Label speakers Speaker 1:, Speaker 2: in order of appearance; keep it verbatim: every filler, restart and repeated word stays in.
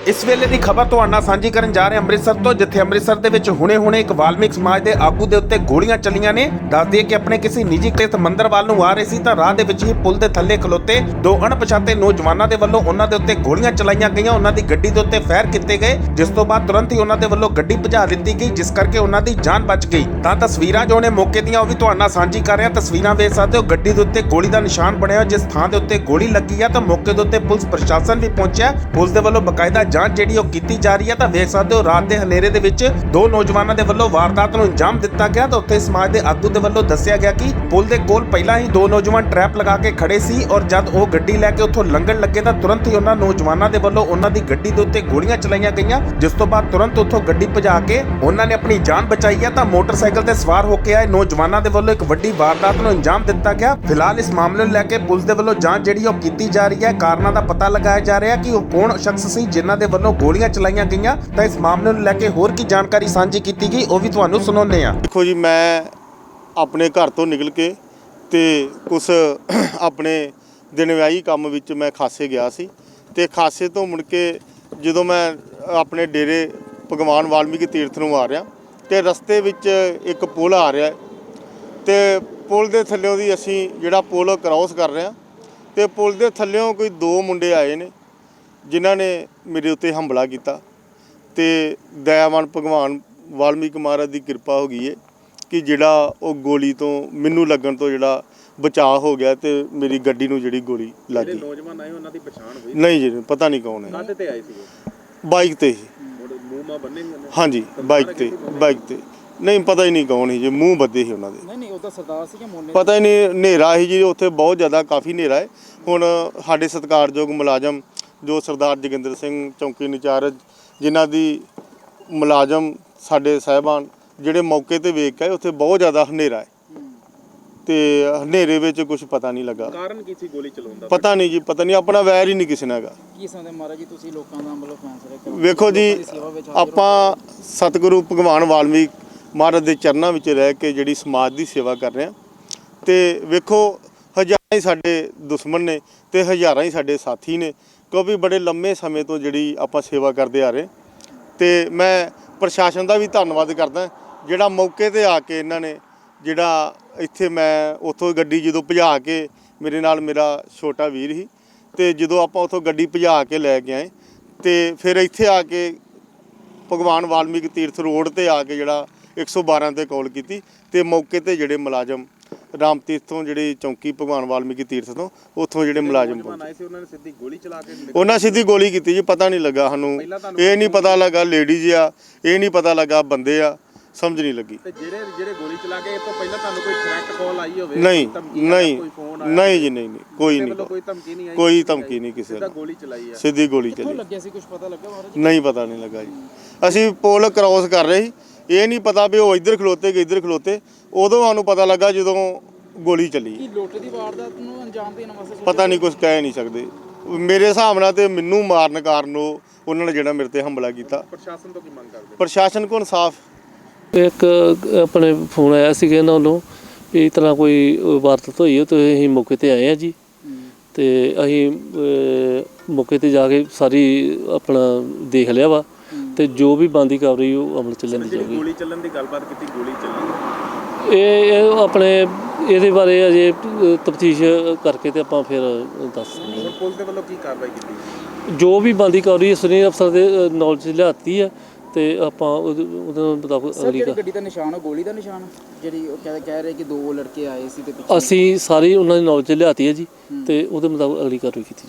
Speaker 1: इस वेले की खबर तुहाडे नाल सांझी करन जा रहे ਅੰਮ੍ਰਿਤਸਰ ਤੋਂ ਜਿੱਥੇ ਅੰਮ੍ਰਿਤਸਰ ਦੇ ਵਿੱਚ ਹੁਣੇ-ਹੁਣੇ ਇੱਕ ਵਾਲਮੀਕ ਸਮਾਜ ਦੇ ਆਗੂ ਦੇ ਉੱਤੇ ਗੋਲੀਆਂ ਚੱਲੀਆਂ ਨੇ। ਦੱਸ ਦਈਏ ਕਿ ਆਪਣੇ ਕਿਸੇ ਨਿੱਜੀ ਤੀਰਥ ਮੰਦਰ ਵੱਲ ਨੂੰ ਆ ਰਹੇ ਸੀ ਤਾਂ ਰਾਹ ਦੇ ਵਿੱਚ ਹੀ ਪੁਲ ਦੇ ਥੱਲੇ ਖਲੋਤੇ ਦੋ ਅਣਪਛਾਤੇ ਨੌਜਵਾਨਾਂ ਦੇ ਵੱਲੋਂ ਉਹਨਾਂ ਦੇ ਉੱਤੇ ਗੋਲੀਆਂ ਚਲਾਈਆਂ ਗਈਆਂ। ਉਹਨਾਂ ਦੀ ਗੱਡੀ ਦੇ ਉੱਤੇ ਫਾਇਰ ਕੀਤੇ ਗਏ, ਜਿਸ ਤੋਂ ਬਾਅਦ ਤੁਰੰਤ ਹੀ ਉਹਨਾਂ ਦੇ ਵੱਲੋਂ ਗੱਡੀ ਭਜਾ ਦਿੱਤੀ ਗਈ, ਜਿਸ ਕਰਕੇ ਉਹਨਾਂ ਦੀ ਜਾਨ ਬਚ ਗਈ। ਤਾਂ ਤਸਵੀਰਾਂ ਜੋ ਨੇ ਮੌਕੇ ਦੀਆਂ ਉਹ ਵੀ ਤੁਹਾਡੇ ਨਾਲ ਸਾਂਝੀ ਕਰ ਰਿਹਾ। ਤਸਵੀਰਾਂ ਵੇਖ ਸਕਦੇ ਹੋ, ਗੱਡੀ ਦੇ ਉੱਤੇ ਗੋਲੀ ਦਾ ਨਿਸ਼ਾਨ ਬਣਿਆ ਹੋਇਆ, ਜਿਸ ਥਾਂ ਦੇ ਉੱਤੇ ਗੋਲੀ ਲੱਗੀ ਆ ਤਾਂ ਮੌਕੇ ਦੇ ਉੱਤੇ ਪੁਲਿਸ ਪ੍ਰਸ਼ਾਸਨ ਵੀ ਪਹੁੰਚਿਆ। ਪੁਲਿਸ ਦੇ ਵੱਲੋਂ ਬਕਾਇਦਾ ਜਾਂਚ ਜਿਹੜੀ ਉਹ ਕੀਤੀ ਜਾ ਰਹੀ ਹੈ। ਤਾਂ ਵੇਖ ਸਕਦੇ ਹੋ, ਰਾਤ ਦੇ ਹਨੇਰੇ ਦੇ ਵਿੱਚ ਦੋ ਨੌਜਵਾਨਾਂ ਦੇ ਵੱਲੋਂ ਵਾਰਦਾਤ ਨੂੰ ਅੰਜਾਮ ਦਿੱਤਾ ਗਿਆ। ਤਾਂ ਉੱਥੇ ਸਮਾਜ ਦੇ ਆਗੂ ਦੇ ਵੱਲੋਂ ਦੱਸਿਆ ਗਿਆ ਕਿ ਪੁਲ ਦੇ ਕੋਲ ਪਹਿਲਾਂ ਹੀ ਦੋ ਨੌਜਵਾਨ ਟਰੈਪ ਲਗਾ ਕੇ ਖੜੇ ਸੀ ਔਰ ਜਦ ਉਹ ਗੱਡੀ ਲੈ ਕੇ ਉੱਥੋਂ ਲੰਘਣ ਲੱਗੇ ਤਾਂ ਤੁਰੰਤ ਹੀ ਉਹਨਾਂ ਨੌਜਵਾਨਾਂ ਦੇ ਵੱਲੋਂ ਉਹਨਾਂ ਦੀ ਗੱਡੀ ਦੇ ਉੱਤੇ ਗੋਲੀਆਂ ਚਲਾਈਆਂ ਗਈਆਂ, ਜਿਸ ਤੋਂ ਬਾਅਦ ਤੁਰੰਤ ਉੱਥੋਂ ਗੱਡੀ ਭਜਾ ਕੇ ਉਹਨਾਂ ਨੇ ਆਪਣੀ ਜਾਨ ਬਚਾਈ ਹੈ। ਤਾਂ ਮੋਟਰਸਾਈਕਲ ਤੇ ਸਵਾਰ ਹੋ ਕੇ ਆਏ ਨੌਜਵਾਨਾਂ ਦੇ ਵੱਲੋਂ ਇੱਕ ਵੱਡੀ ਵਾਰਦਾਤ ਨੂੰ ਅੰਜਾਮ ਦਿੱਤਾ ਗਿਆ। ਫਿਲਹਾਲ ਇਸ ਮਾਮਲੇ ਨੂੰ ਲੈ ਕੇ ਪੁਲਿਸ ਦੇ ਵੱਲੋਂ ਜਾਂਚ ਜਿਹੜੀ ਉਹ ਕੀਤੀ ਜਾ ਰਹੀ ਹੈ। ਕਾਰਨਾਂ ਦਾ ਪਤਾ ਲਗਾਇਆ ਜਾ ਰਿਹਾ ਕਿ ਉਹ ਕੌਣ ਸ਼ਖਸ ਸੀ ਜਿਨ੍ਹਾਂ ਦੇ ਵੱਲੋਂ ਗੋਲੀਆਂ ਚਲਾਈਆਂ ਗਈਆਂ। ਤਾਂ ਇਸ ਮਾਮਲੇ ਨੂੰ ਲੈ ਕੇ ਹੋਰ ਕੀ ਜਾਣਕਾਰੀ ਸਾਂਝੀ ਕੀਤੀ ਗਈ ਉਹ ਵੀ ਤੁਹਾਨੂੰ ਸੁਣਾਉਂਦੇ ਹਾਂ।
Speaker 2: ਦੇਖੋ ਜੀ, ਮੈਂ ਆਪਣੇ ਘਰ ਤੋਂ ਨਿਕਲ ਕੇ ਤੇ ਕੁਛ ਆਪਣੇ ਦਿਨ ਵਿਆਹੀ ਕੰਮ ਵਿੱਚ ਮੈਂ ਖਾਸੇ ਗਿਆ ਸੀ ਤੇ ਖਾਸੇ ਤੋਂ ਮੁੜ ਕੇ ਜਦੋਂ ਮੈਂ ਆਪਣੇ ਡੇਰੇ ਭਗਵਾਨ ਵਾਲਮੀਕੀ ਤੀਰਥ ਨੂੰ ਆ ਰਿਹਾ ਤੇ ਰਸਤੇ ਵਿੱਚ ਇੱਕ ਪੁਲ ਆ ਰਿਹਾ ਤੇ ਪੁਲ ਦੇ ਥੱਲਿਓਂ ਦੀ ਅਸੀਂ ਜਿਹੜਾ ਪੁਲ ਕ੍ਰਾਸ ਕਰ ਰਹੇ ਹਾਂ ਤੇ ਪੁਲ ਦੇ ਥੱਲਿਓਂ ਕੋਈ ਦੋ ਮੁੰਡੇ ਆਏ ਨੇ ਜਿਨ੍ਹਾਂ ਨੇ ਮੇਰੇ ਉੱਤੇ ਹਮਲਾ ਕੀਤਾ ਤੇ ਦਇਆਵਾਨ ਭਗਵਾਨ ਵਾਲਮੀਕ ਮਹਾਰਾਜ ਦੀ ਕਿਰਪਾ ਹੋ ਗਈ ਹੈ ਕਿ ਜਿਹੜਾ ਉਹ ਗੋਲੀ ਤੋਂ ਮੈਨੂੰ ਲੱਗਣ ਤੋਂ ਜਿਹੜਾ ਬਚਾਅ ਹੋ ਗਿਆ ਤੇ ਮੇਰੀ ਗੱਡੀ ਨੂੰ ਜਿਹੜੀ ਗੋਲੀ ਲੱਗ ਗਈ।
Speaker 3: ਨੌਜਵਾਨ ਆਏ ਉਹਨਾਂ ਦੀ ਪਛਾਣ ਹੋਈ?
Speaker 2: ਨਹੀਂ ਜੀ, ਪਤਾ ਨਹੀਂ ਕੌਣ ਹੈ।
Speaker 3: ਕਾਹਦੇ ਤੇ ਆਏ ਸੀ?
Speaker 2: ਬਾਈਕ ਤੇ ਹੀ।
Speaker 3: ਮੂੰਹ ਮਾ ਬੰਨੇ ਹੋਏ?
Speaker 2: ਹਾਂਜੀ, ਬਾਈਕ ਤੇ ਬਾਈਕ ਤੇ ਨਹੀਂ, ਪਤਾ ਹੀ ਨਹੀਂ ਕੌਣ ਸੀ ਜੀ, ਮੂੰਹ ਬੱਧੇ ਸੀ ਉਹਨਾਂ ਦੇ।
Speaker 3: ਨਹੀਂ ਨਹੀਂ, ਉਹ ਤਾਂ ਸਰਦਾਰ ਸੀ ਕਿ ਮੋਨੇ?
Speaker 2: ਪਤਾ ਹੀ ਨਹੀਂ, ਹਨੇਰਾ ਸੀ ਜੀ ਉੱਥੇ, ਬਹੁਤ ਜ਼ਿਆਦਾ ਕਾਫੀ ਹਨੇਰਾ ਹੈ। ਹੁਣ ਸਾਡੇ ਸਤਿਕਾਰਯੋਗ ਮੁਲਾਜ਼ਮ ਜੋ ਸਰਦਾਰ ਜੋਗਿੰਦਰ ਸਿੰਘ ਚੌਂਕੀ ਇੰਚਾਰਜ, ਜਿਨ੍ਹਾਂ ਦੀ ਮੁਲਾਜ਼ਮ ਸਾਡੇ ਸਾਹਿਬਾਨ ਜਿਹੜੇ ਮੌਕੇ ਤੇ ਵੇਖ ਕੇ ਉੱਥੇ ਬਹੁਤ ਜ਼ਿਆਦਾ ਹਨੇਰਾ ਹੈ ਤੇ ਹਨੇਰੇ ਵਿੱਚ ਕੁਝ ਪਤਾ ਨਹੀਂ ਲੱਗਾ।
Speaker 3: ਕਾਰਨ ਕੀ ਸੀ ਗੋਲੀ ਚਲਾਉਣ ਦਾ?
Speaker 2: ਪਤਾ ਨਹੀਂ ਜੀ, ਪਤਾ ਨਹੀਂ, ਆਪਣਾ ਵੈਰ ਹੀ ਨਹੀਂ ਕਿਸੇ ਨਾਲ ਹੈਗਾ।
Speaker 3: ਕੀ ਸਮਝਦੇ ਮਹਾਰਾਜ ਜੀ ਤੁਸੀਂ ਲੋਕਾਂ ਦਾ ਮਤਲਬ ਫੈਸਲਾ ਕਰੋ?
Speaker 2: ਵੇਖੋ ਜੀ, ਆਪਾਂ ਸਤਿਗੁਰੂ ਭਗਵਾਨ ਵਾਲਮੀਕ ਮਹਾਰਾਜ ਦੇ ਚਰਨਾਂ ਵਿੱਚ ਰਹਿ ਕੇ ਜਿਹੜੀ ਸਮਾਜ ਦੀ ਸੇਵਾ ਕਰ ਰਹੇ ਹਾਂ ਤੇ ਵੇਖੋ ਹਜ਼ਾਰਾਂ ਹੀ ਸਾਡੇ ਦੁਸ਼ਮਣ ਨੇ ਤੇ ਹਜ਼ਾਰਾਂ ਹੀ ਸਾਡੇ ਸਾਥੀ ਨੇ, ਕਿਉਂਕਿ ਬੜੇ ਲੰਮੇ ਸਮੇਂ ਤੋਂ ਜਿਹੜੀ ਆਪਾਂ ਸੇਵਾ ਕਰਦੇ ਆ ਰਹੇ। ਤੇ ਮੈਂ ਪ੍ਰਸ਼ਾਸਨ ਦਾ ਵੀ ਧੰਨਵਾਦ ਕਰਦਾ ਜਿਹੜਾ ਮੌਕੇ ਤੇ ਆ ਕੇ ਇਹਨਾਂ ਨੇ ਜਿਹੜਾ ਇੱਥੇ ਮੈਂ ਉੱਥੋਂ ਗੱਡੀ ਜਦੋਂ ਭਜਾ ਕੇ, ਮੇਰੇ ਨਾਲ ਮੇਰਾ ਛੋਟਾ ਵੀਰ ਸੀ ਤੇ ਜਦੋਂ ਆਪਾਂ ਉੱਥੋਂ ਗੱਡੀ ਭਜਾ ਕੇ ਲੈ ਕੇ ਆਏ ਤੇ ਫਿਰ ਇੱਥੇ ਆ ਕੇ ਭਗਵਾਨ ਵਾਲਮੀਕ ਤੀਰਥ ਰੋਡ ਤੇ ਆ ਕੇ ਜਿਹੜਾ ਇੱਕ ਸੌ ਬਾਰਾਂ ਤੇ ਕਾਲ ਕੀਤੀ ਤੇ ਮੌਕੇ ਤੇ ਜਿਹੜੇ ਮੁਲਾਜ਼ਮ ਰਾਮ ਤੀਰਥ ਤੋਂ ਜਿਹੜੀ ਚੌਂਕੀ ਭਗਵਾਨ ਵਾਲਮੀਕੀ ਤੀਰਥ ਤੋਂ ਉੱਥੋਂ ਜਿਹੜੇ ਮੁਲਾਜ਼ਮ
Speaker 3: ਆਏ ਸੀ ਉਹਨਾਂ ਨੇ ਸਿੱਧੀ ਗੋਲੀ ਚਲਾ ਕੇ
Speaker 2: ਉਹਨਾਂ ਸਿੱਧੀ ਗੋਲੀ ਕੀਤੀ ਜੀ। ਪਤਾ ਨਹੀਂ ਲੱਗਾ ਸਾਨੂੰ, ਇਹ ਨਹੀਂ ਪਤਾ ਲੱਗਾ ਲੇਡੀਜ਼ ਆ, ਇਹ ਨਹੀਂ ਪਤਾ ਲੱਗਾ ਬੰਦੇ ਆ, ਸਮਝ ਨਹੀਂ ਲੱਗੀ।
Speaker 3: ਤੇ ਜਿਹੜੇ ਜਿਹੜੇ ਗੋਲੀ ਚਲਾ ਕੇ ਇਹ ਤੋਂ ਪਹਿਲਾਂ ਤੁਹਾਨੂੰ ਕੋਈ ਥ੍ਰੈਟ ਕਾਲ ਆਈ ਹੋਵੇ?
Speaker 2: ਨਹੀਂ ਨਹੀਂ ਨਹੀਂ ਜੀ, ਨਹੀਂ ਨਹੀਂ, ਕੋਈ ਨਹੀਂ,
Speaker 3: ਕੋਈ ਧਮਕੀ ਨਹੀਂ ਆਈ?
Speaker 2: ਕੋਈ ਧਮਕੀ ਨਹੀਂ ਕਿਸੇ
Speaker 3: ਸਿੱਧਾ ਗੋਲੀ ਚਲਾਈ ਹੈ?
Speaker 2: ਸਿੱਧੀ ਗੋਲੀ ਚਲੀ।
Speaker 3: ਲੱਗਿਆ ਸੀ ਕੁਝ ਪਤਾ ਲੱਗਾ ਮਹਾਰਾਜ?
Speaker 2: ਨਹੀਂ, ਪਤਾ ਨਹੀਂ ਲੱਗਾ ਜੀ। ਅਸੀਂ ਪੁਲ ਕ੍ਰਾਸ ਕਰ ਰਹੇ ਸੀ, ਇਹ ਨਹੀਂ ਪਤਾ ਵੀ ਉਹ ਇੱਧਰ ਖਲੋਤੇ ਕਿ ਇੱਧਰ ਖਲੋਤੇ। ਉਦੋਂ ਸਾਨੂੰ ਪਤਾ ਲੱਗਾ ਜਦੋਂ ਗੋਲੀ ਚੱਲੀ।
Speaker 3: ਕੀ ਲੁੱਟ ਦੀ ਵਾਰਦਾਤ ਨੂੰ ਅੰਜਾਮ ਦੇਣ ਵਾਸਤੇ?
Speaker 2: ਪਤਾ ਨਹੀਂ, ਕੁਝ ਕਹਿ ਨਹੀਂ ਸਕਦੇ। ਮੇਰੇ ਹਿਸਾਬ ਨਾਲ ਤੇ ਮੈਨੂੰ ਮਾਰਨ ਕਾਰਨ ਉਹ ਉਹਨਾਂ ਨੇ ਜਿਹੜਾ ਮੇਰੇ ਤੇ ਹਮਲਾ ਕੀਤਾ।
Speaker 3: ਪ੍ਰਸ਼ਾਸਨ ਤੋਂ ਕੀ ਮੰਗ ਕਰਦੇ?
Speaker 2: ਪ੍ਰਸ਼ਾਸਨ ਕੋਲ ਇਨਸਾਫ।
Speaker 4: ਇੱਕ ਆਪਣੇ ਫੋਨ ਆਇਆ ਸੀਗਾ ਇਹਨਾਂ ਵੱਲੋਂ ਵੀ ਇਸ ਤਰ੍ਹਾਂ ਕੋਈ ਵਾਰਦਾਤ ਹੋਈ ਹੈ ਤੇ ਅਸੀਂ ਮੌਕੇ ਤੇ ਆਏ ਹਾਂ ਜੀ ਤੇ ਅਸੀਂ ਮੌਕੇ ਤੇ ਜਾ ਕੇ ਸਾਰੀ ਆਪਣਾ ਦੇਖ ਲਿਆ ਵਾ ਤੇ ਜੋ ਵੀ ਬਣਦੀ ਕਾਰਵਾਈ ਉਹ ਅਮਲ ਚ ਲਿਆਂਦੀ ਜਾਊਗੀ।
Speaker 3: ਗੋਲੀ ਚੱਲਣ ਦੀ ਗੱਲਬਾਤ ਕੀਤੀ, ਗੋਲੀ ਚੱਲੀ
Speaker 4: ਇਹ ਇਹ ਆਪਣੇ ਇਹਦੇ ਬਾਰੇ ਅਜੇ ਤਫਤੀਸ਼ ਕਰਕੇ ਤੇ ਆਪਾਂ ਫਿਰ ਦੱਸ ਦਿੰਦੇ ਹਾਂ।
Speaker 3: ਪੁਲਿਸ ਦੇ ਵੱਲੋਂ ਕੀ ਕਾਰਵਾਈ ਕੀਤੀ?
Speaker 4: ਜੋ ਵੀ ਬਣਦੀ ਕਾਰਵਾਈ ਸੁਨੀਲ ਅਫਸਰ ਦੇ ਨੌਲੇਜ ਲਿਆਤੀ ਹੈ ਤੇ ਆਪਾਂ ਉਹਦੇ ਮੁਤਾਬਕ ਅਗਲੀ
Speaker 3: ਗੱਡੀ ਦਾ ਨਿਸ਼ਾਨ, ਗੋਲੀ ਦਾ ਨਿਸ਼ਾਨ ਜਿਹੜੀ ਉਹ ਕਹਿ ਰਹੇ ਕਿ ਦੋ ਲੜਕੇ ਆਏ ਸੀ ਤੇ
Speaker 4: ਅਸੀਂ ਸਾਰੀ ਉਹਨਾਂ ਦੀ ਨੌਲੇਜ ਲਿਆਤੀ ਹੈ ਜੀ ਤੇ ਉਹਦੇ ਮੁਤਾਬਕ ਅਗਲੀ ਕਾਰਵਾਈ ਕੀਤੀ